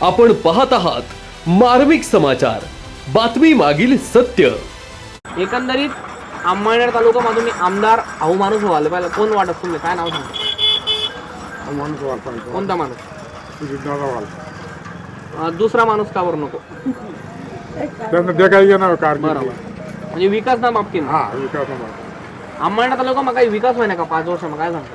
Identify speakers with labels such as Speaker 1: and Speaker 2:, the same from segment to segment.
Speaker 1: आपण पाहत आहात मार्मिक समाचार, बातमी मागील सत्य।
Speaker 2: एकंदरीत अंमळनेर तालुक्यामधून आमदार आऊ माणूस व्हायला पाहिजे, कोण वाटत तुम्ही? काय नाव सांगता? कोणता माणूस? दुसरा माणूस का बरं नको? बरोबर, म्हणजे विकास ना बाबतीत अंमळनेर तालुका मग काही विकास व्हायना का 5 वर्ष? मग काय सांगता?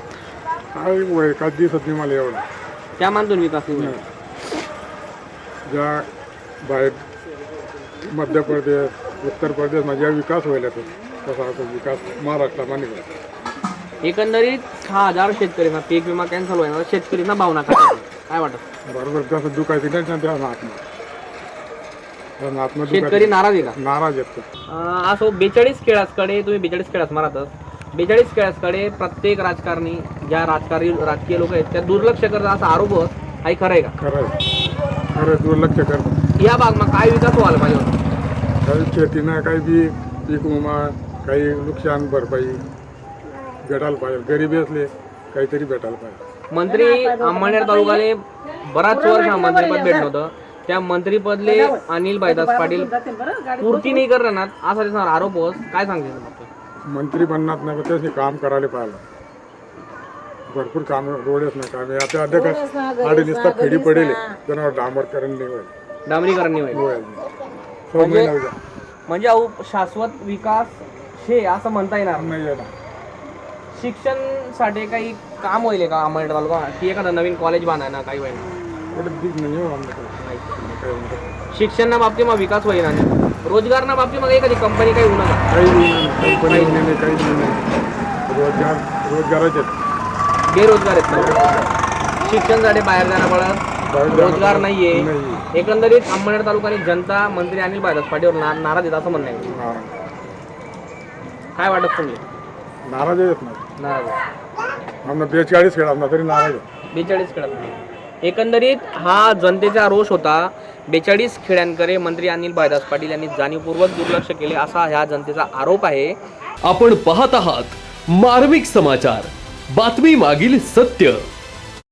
Speaker 3: मला एवढं
Speaker 2: त्या मानतून विकास नाही होईल.
Speaker 3: ज्या बाहेर मध्य प्रदेश उत्तर प्रदेश मध्ये विकास व्हायला तसा विकास महाराष्ट्रामध्ये
Speaker 2: एकंदरीत 6,000 शेतकऱ्यांना पीक विमा कॅन्सल व्हायला शेतकऱ्यांना भावना काय वाटत?
Speaker 3: बरोबर, जसं दुखायचं नाही त्या
Speaker 2: शेतकरी नाराज आहे का?
Speaker 3: नाराज येतो।
Speaker 2: असो 42 खेळाकडे तुम्ही 42 खेळाच मारतच 42 खेळाकडे प्रत्येक राजकारणी ज्या राजकीय लोक आहेत त्या दुर्लक्ष करतात असा आरोप आहे, खरं आहे का?
Speaker 3: खरं दुर्लक्ष करतात।
Speaker 2: या भागમાં काय विकास व्हायला पाहिजे?
Speaker 3: काही शेतीनं काही बी पीक विमा काही नुकसान भरपाई भेटायला पाहिजे, गरीबी असले काहीतरी भेटायला पाहिजे।
Speaker 2: मंत्री अंमळनेर तालुक्याले बराच वर्ष मंत्रीपद भेटलं होतं, त्या मंत्रीपदले अनिल भाईदास पाटील पूर्ती नाही करणार असा त्याचा आरोप होत, काय सांगते?
Speaker 3: मंत्री बनणार नाही पण त्याचे काम करायला पाहिजे, भरपूर काम रोडच नाही काम आता अध्यक्ष आडे नुसता खेडी पडेल त्यांना डांबरीकरण नाही होईल,
Speaker 2: डांबरीकरण नाही होईल म्हणजे शाश्वत विकास हे असं म्हणता येणार
Speaker 3: नाही।
Speaker 2: शिक्षणसाठी काही काम होईल का अंमळनेर तालुका, की एखादा नवीन कॉलेज बांधायला काही होईल? शिक्षणना बाबतीत मग विकास होईल आणि रोजगारना बाबतीत मग एखादी कंपनी काही होणार
Speaker 3: रोजगाराचे
Speaker 2: बेरोजगार आहेत, शिक्षणासाठी बाहेर जाणं पडत, रोजगार नाहीये। एकंदरीत अंमळनेर तालुक्याने जनता मंत्री अनिल भाईदास पाटीलवर नाराज आहेत असं म्हणणं आहे, काय वाटत तुम्ही?
Speaker 3: नाराज येत नाही,
Speaker 2: नाराज
Speaker 3: 42 खेळ तरी नाराज
Speaker 2: 42 खेळात। एकंदरीत हा जनतेचा रोष होता। 42 खेड्यांकडे मंत्री अनिल भाईदास पाटील यांनी जाणीवपूर्वक दुर्लक्ष केले असा ह्या जनतेचा आरोप आहे।
Speaker 1: आपण पाहत आहात मार्मिक समाचार, बातमी मागील सत्य।